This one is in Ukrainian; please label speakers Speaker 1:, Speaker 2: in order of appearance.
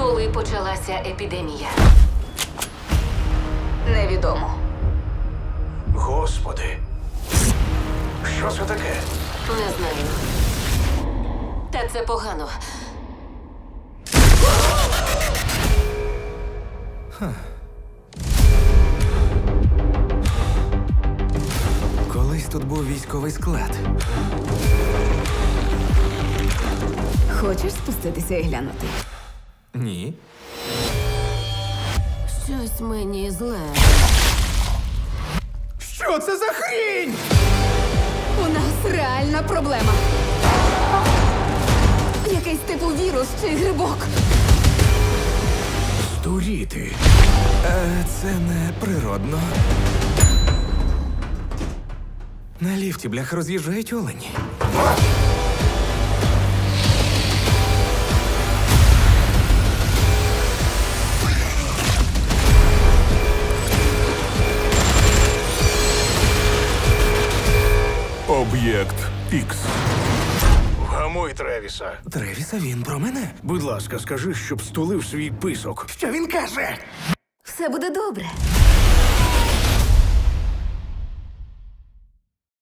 Speaker 1: Коли почалася епідемія?
Speaker 2: Невідомо.
Speaker 3: Господи. Що це таке?
Speaker 1: Не знаю. Та це погано.
Speaker 4: Колись тут був військовий склад.
Speaker 2: Хочеш спуститися і глянути?
Speaker 4: Ні.
Speaker 1: Щось мені зле.
Speaker 4: Що це за хрінь?
Speaker 2: У нас реальна проблема. Якийсь типу вірус чи грибок.
Speaker 4: Здуріти. Це не природно. На ліфті, бляха, роз'їжджають олені.
Speaker 3: Об'єкт Ікс. Вгамуй Тревіса.
Speaker 4: Тревіса, він про мене.
Speaker 3: Будь ласка, скажи, щоб стулив свій писок.
Speaker 4: Що він каже?
Speaker 2: Все буде добре.